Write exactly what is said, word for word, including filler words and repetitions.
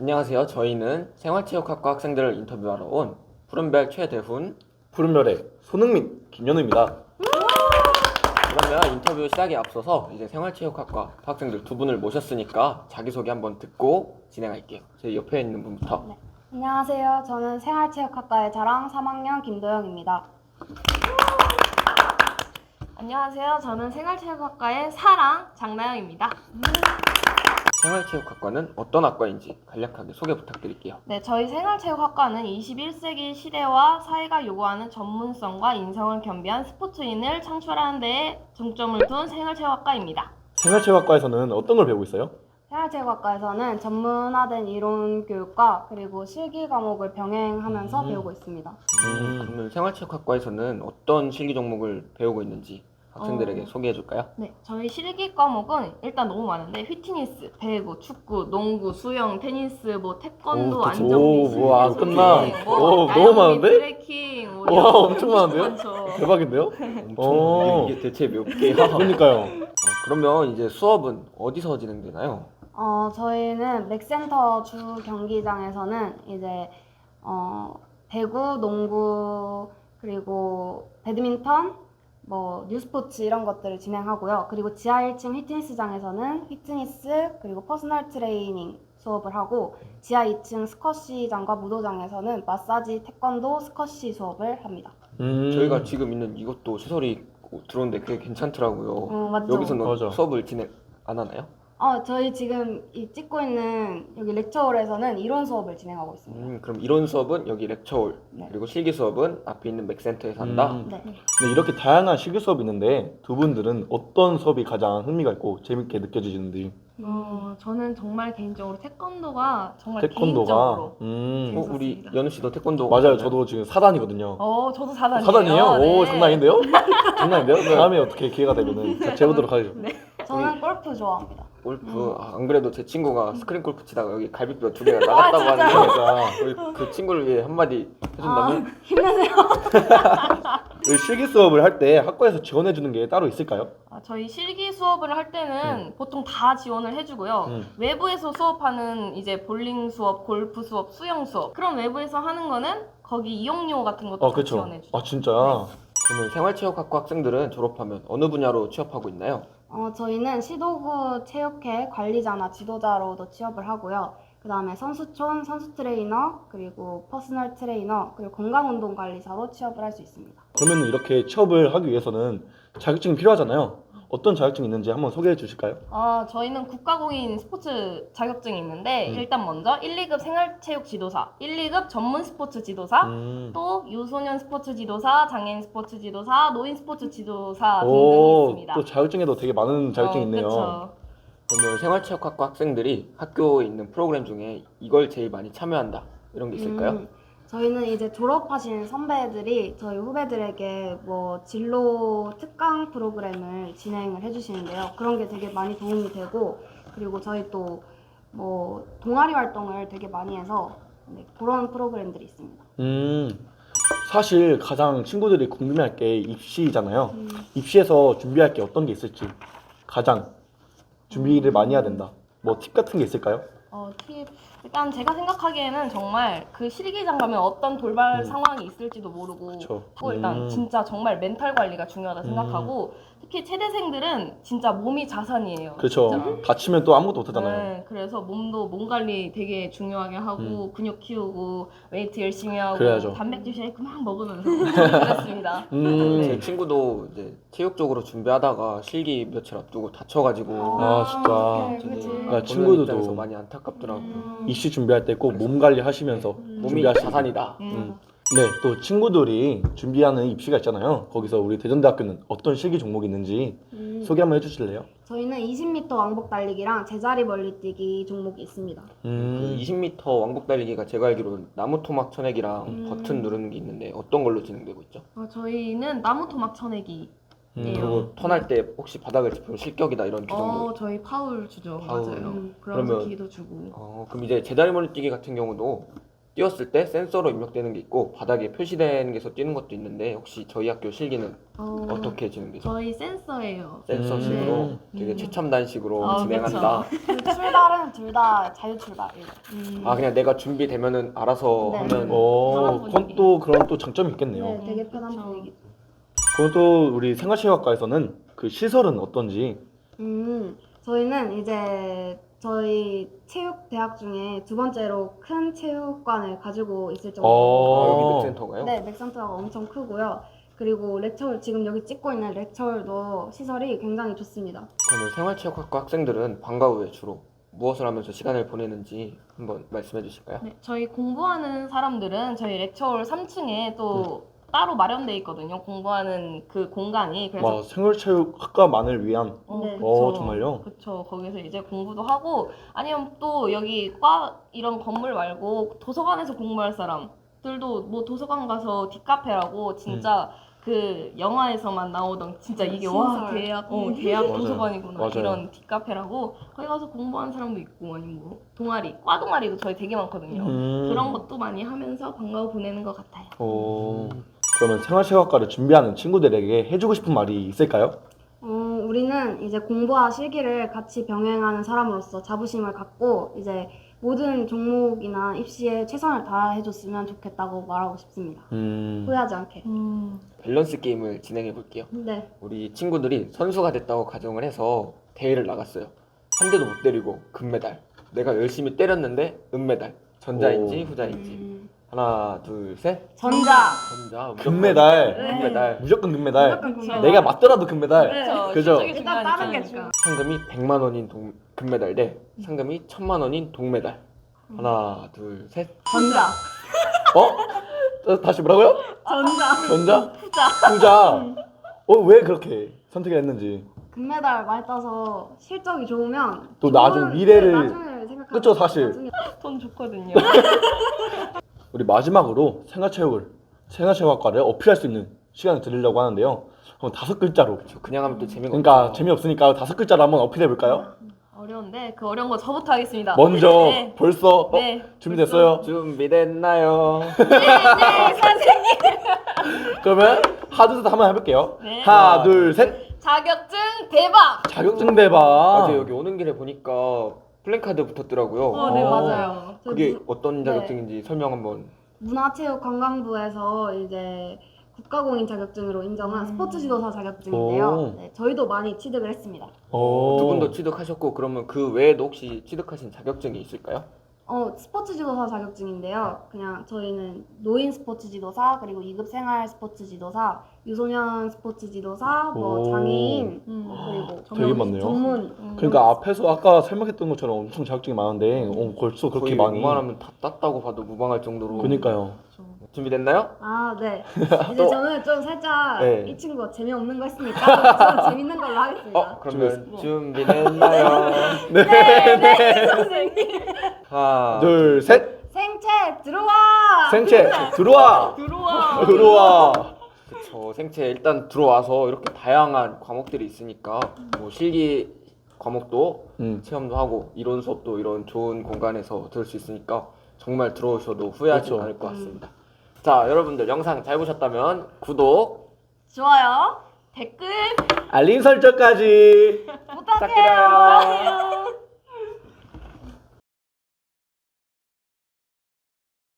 안녕하세요. 저희는 생활체육학과 학생들을 인터뷰하러 온 푸른별 최대훈. 푸른별의 손흥민, 김현우입니다. 그러면 인터뷰 시작에 앞서서 이제 생활체육학과 학생들 두 분을 모셨으니까 자기소개 한번 듣고 진행할게요. 제 옆에 있는 분부터. 네. 안녕하세요. 저는 생활체육학과의 자랑 삼 학년 김도영입니다. 안녕하세요. 저는 생활체육학과의 사랑 장나영입니다. 생활체육학과는 어떤 학과인지 간략하게 소개 부탁드릴게요. 네, 저희 생활체육학과는 이십일 세기 시대와 사회가 요구하는 전문성과 인성을 겸비한 스포츠인을 창출하는 데에 중점을 둔 생활체육학과입니다. 생활체육학과에서는 어떤 걸 배우고 있어요? 생활체육학과에서는 전문화된 이론 교육과 그리고 실기 과목을 병행하면서 음. 배우고 있습니다. 음, 그러면 생활체육학과에서는 어떤 실기 종목을 배우고 있는지 학생들에게 어. 소개해줄까요? 네, 저희 실기 과목은 일단 너무 많은데 휘트니스, 배구, 축구, 농구, 수영, 테니스, 뭐 태권도, 오, 대체- 안정비, 오, 뭐야, 안 스케이팅, 끝나. 뭐 오, 야영비, 너무 많은데? 트레킹, 뭐 와, 이런 엄청 많은데요? 많죠. 대박인데요? 엄청 오. 이게, 이게 대체 몇 개야? 그러니까요. 어, 그러면 이제 수업은 어디서 진행되나요? 어, 저희는 맥센터 주 경기장에서는 이제 어, 배구, 농구, 그리고 배드민턴, 뭐 뉴스포츠 이런 것들을 진행하고요. 그리고 지하 일 층 휘트니스장에서는 휘트니스 그리고 퍼스널 트레이닝 수업을 하고 지하 이 층 스쿼시장과 무도장에서는 마사지, 태권도, 스쿼시 수업을 합니다. 음. 저희가 지금 있는 이것도 시설이 들어오는데 그게 괜찮더라고요. 어, 맞죠? 여기서는 맞아. 수업을 진행 안 하나요? 어, 저희 지금 이 찍고 있는 여기 렉처홀에서는 이론 수업을 진행하고 있습니다. 음, 그럼 이론 수업은 여기 렉처홀, 네. 그리고 실기 수업은 앞에 있는 맥센터에서 한다. 음. 네. 네, 이렇게 다양한 실기 수업이 있는데 두 분들은 어떤 수업이 가장 흥미가 있고 재밌게 느껴지시는지. 어, 저는 정말 개인적으로 태권도가 정말 태권도가. 개인적으로 음. 어, 우리 재밌었습니다. 연우 씨도 태권도 맞아요. 하나요? 저도 지금 사단이거든요. 어, 저도 사단이에요. 사단이에요? 네. 오, 장난 아닌데요? 장난 아닌데요? 다음에 어떻게 기회가 되면은 같이 해보도록 하죠. 저는 골프 좋아합니다. 골프. 아, 안 그래도 제 친구가 스크린 골프 치다가 여기 갈비뼈 두 개가 나갔다고 하는데 그러니까 우리 그 친구를 위해 한마디 해준다면? 힘내세요. 이 실기 수업을 할 때 학과에서 지원해 주는 게 따로 있을까요? 아, 저희 실기 수업을 할 때는 보통 다 지원을 해주고요. 음. 외부에서 수업하는 이제 볼링 수업, 골프 수업, 수영 수업 그런 외부에서 하는 거는 거기 이용료 같은 것도 아, 다 그렇죠. 지원해주죠. 아, 진짜. 그러면 생활체육학과 학생들은 졸업하면 어느 분야로 취업하고 있나요? 어, 저희는 시도구 체육회 관리자나 지도자로도 취업을 하고요. 그 다음에 선수촌, 선수 트레이너, 그리고 퍼스널 트레이너, 그리고 건강운동관리사로 취업을 할 수 있습니다. 그러면 이렇게 취업을 하기 위해서는 자격증이 필요하잖아요. 어떤 자격증이 있는지 한번 소개해 주실까요? 아, 저희는 국가공인 스포츠 자격증이 있는데 음. 일단 먼저 일, 이 급 생활체육 지도사, 일, 이 급 전문 스포츠 지도사, 음. 또 유소년 스포츠 지도사, 장애인 스포츠 지도사, 노인 스포츠 지도사 등등이 오, 있습니다. 또 자격증에도 되게 많은 자격증이 어, 있네요. 그쵸. 그러면 생활체육학과 학생들이 학교에 있는 프로그램 중에 이걸 제일 많이 참여한다 이런 게 있을까요? 음, 저희는 이제 졸업하신 선배들이 저희 후배들에게 뭐 진로 특강 프로그램을 진행을 해주시는데요. 그런 게 되게 많이 도움이 되고, 그리고 저희 또 뭐 동아리 활동을 되게 많이 해서 네, 그런 프로그램들이 있습니다. 음, 사실 가장 친구들이 궁금해할 게 입시잖아요. 음. 입시에서 준비할 게 어떤 게 있을지 가장 준비를 많이 해야 된다. 뭐 팁 같은 게 있을까요? 어, 팁. 일단 제가 생각하기에는 정말 그 실기장 가면 어떤 돌발 음. 상황이 있을지도 모르고 그쵸. 하고 일단 음. 진짜 정말 멘탈 관리가 중요하다 음. 생각하고 특히 체대생들은 진짜 몸이 자산이에요. 그렇죠. 진짜. 다치면 또 아무것도 못하잖아요. 네, 그래서 몸도 몸 관리 되게 중요하게 하고 근육 키우고 웨이트 열심히 하고 그래야죠. 단백질 쉐이크 막 먹으면서 그랬습니다. 음, 제 친구도 이제 체육적으로 준비하다가 실기 며칠 앞두고 다쳐가지고 아, 진짜. 어떡해, 되게 그치. 나 보는 친구들도 입장에서 많이 안타깝더라고요. 음. 입시 준비할 때 꼭 몸 관리 하시면서 몸이 준비하시고. 자산이다. 음. 음. 네, 또 친구들이 준비하는 입시가 있잖아요. 거기서 우리 대전대학교는 어떤 실기 종목이 있는지 음, 소개 한번 해주실래요? 저희는 이십 미터 왕복 달리기랑 제자리 멀리뛰기 종목이 있습니다. 그 음, 이십 미터 왕복 달리기가 제가 알기로는 나무 토막 쳐내기랑 음. 버튼 누르는 게 있는데 어떤 걸로 진행되고 있죠? 어, 저희는 나무 토막 쳐내기. 음. 예. 그리고 턴할 때 혹시 바닥을 짚으면 실격이다 이런 규정도. 어, 저희 파울 주죠. 파울. 맞아요. 음. 그러면서 그러면- 기도 주고. 어, 그럼 이제 제자리 멀리뛰기 같은 경우도 뛰었을 때 센서로 입력되는 게 있고 바닥에 표시되는 게서 뛰는 것도 있는데 혹시 저희 학교 실기는 어, 어떻게 진행되죠? 저희 센서예요. 센서식으로 음. 되게 음. 최첨단식으로 아, 진행한다. 그 출발은 둘 다 자유 출발이에요. 음. 아 그냥 내가 준비되면은 알아서 네. 하면 어, 편한 그건 분위기. 또 그런 또 장점이 있겠네요. 네, 되게 음, 편한 그쵸. 분위기. 그럼 또 우리 생활체육학과에서는 그 시설은 어떤지. 음, 저희는 이제 저희 체육 대학 중에 두 번째로 큰 체육관을 가지고 있을 정도로 어. 여기 맥센터가요? 네, 맥센터가 엄청 크고요. 그리고 렉처홀 지금 여기 찍고 있는 렉처홀도 시설이 굉장히 좋습니다. 그러면 생활체육학과 학생들은 방과 후에 주로 무엇을 하면서 시간을 보내는지 한번 말씀해 주실까요? 네, 저희 공부하는 사람들은 저희 렉처홀 삼 층에 또 따로 마련돼 있거든요. 공부하는 그 공간이. 그래서 와, 생활체육학과만을 위한. 어, 네. 그쵸. 어, 정말요? 그쵸. 거기서 이제 공부도 하고 아니면 또 여기 과 이런 건물 말고 도서관에서 공부할 사람들도 뭐 도서관 가서 뒷카페라고 진짜 그 영화에서만 나오던 진짜 이게 와 신설. 대학 어 음. 대학 맞아요. 도서관이구나 맞아요. 이런 뒷카페라고 거기 가서 공부하는 사람도 있고 아니면 뭐 동아리 과 동아리도 저희 되게 많거든요. 음. 그런 것도 많이 하면서 방과 후 보내는 것 같아요. 어, 그러면 생활체육학과를 준비하는 친구들에게 해주고 싶은 말이 있을까요? 어, 우리는 이제 공부와 실기를 같이 병행하는 사람으로서 자부심을 갖고 이제 모든 종목이나 입시에 최선을 다해줬으면 좋겠다고 말하고 싶습니다. 음. 후회하지 않게. 음. 밸런스 게임을 진행해 볼게요. 네. 우리 친구들이 선수가 됐다고 가정을 해서 대회를 나갔어요. 한 대도 못 때리고 금메달. 내가 열심히 때렸는데 은메달. 전자인지 오. 후자인지. 음, 하나, 둘, 셋. 전자. 전자. 무조건 금메달. 네. 금메달. 무조건 금메달. 무조건 금메달. 내가 맞더라도 금메달. 네. 그쵸. 그죠? 실적이 일단 다른 게 중요하니까. 중요. 상금이 백만 원인 동, 금메달 대 상금이 천만 원인 동메달. 하나, 둘, 셋. 전자. 어? 어, 다시 뭐라고요? 전자. 전자? 후자. 후자. 어, 왜 그렇게 선택을 했는지. 금메달 많이 따서 실적이 좋으면 또 나중 좋은- 미래를- 네, 나중을 생각하면 그쵸, 사실. 나중에 돈 좋거든요. 우리 마지막으로 생활체육을 생활체육학과를 어필할 수 있는 시간을 드리려고 하는데요. 그럼 다섯 글자로. 저 그냥 하면 또 재미가 그러니까 없어요. 재미없으니까 다섯 글자로 한번 어필해 볼까요? 어려운데 그 어려운 거 저부터 하겠습니다. 먼저 네. 벌써 어? 네. 준비됐어요? 준비됐나요? 네, 선생님. 그러면 하드도 한번 해볼게요. 네. 하나, 둘, 셋. 자격증 대박. 자격증 대박. 어제 여기 오는 길에 보니까 플랜카드 붙었더라고요. 어, 네 어. 맞아요. 그게 무- 어떤 자격증인지 설명 한번. 문화체육관광부에서 이제 국가공인 자격증으로 인정한 음. 스포츠 지도사 자격증인데요. 오. 네, 저희도 많이 취득을 했습니다. 오. 두 분도 취득하셨고 그러면 그 외에도 혹시 취득하신 자격증이 있을까요? 어, 스포츠 지도사 자격증인데요. 그냥 저희는 노인 스포츠 지도사, 그리고 이 급 생활 스포츠 지도사, 유소년 스포츠 지도사, 뭐 오. 장애인, 음. 그리고 되게 많네요. 전문. 음. 그러니까 앞에서 아까 설명했던 것처럼 엄청 자격증이 많은데 어, 벌써 그렇게 거의 많이. 웬만하면 다 땄다고 봐도 무방할 정도로. 그니까요. 준비됐나요? 아, 네. 이제 또- 저는 좀 살짝 네. 이 친구가 재미없는 거 했으니까 저는 재밌는 걸로 하겠습니다. 어 그러면 뭐. 준비됐나요? 네, 네. 선생님. 하나 둘, 셋. 생채 들어와. 생체 들어와. 들어와. 들어와. 그쵸. 생체 일단 들어와서 이렇게 다양한 과목들이 있으니까 뭐 실기 과목도 음. 체험도 하고 이론 수업도 이런 좋은 공간에서 들을 수 있으니까 정말 들어오셔도 후회하지 그렇죠. 않을 것 같습니다. 자 여러분들 영상 잘 보셨다면 구독 좋아요. 댓글 알림 설정까지. 부탁해요. 부탁드려요.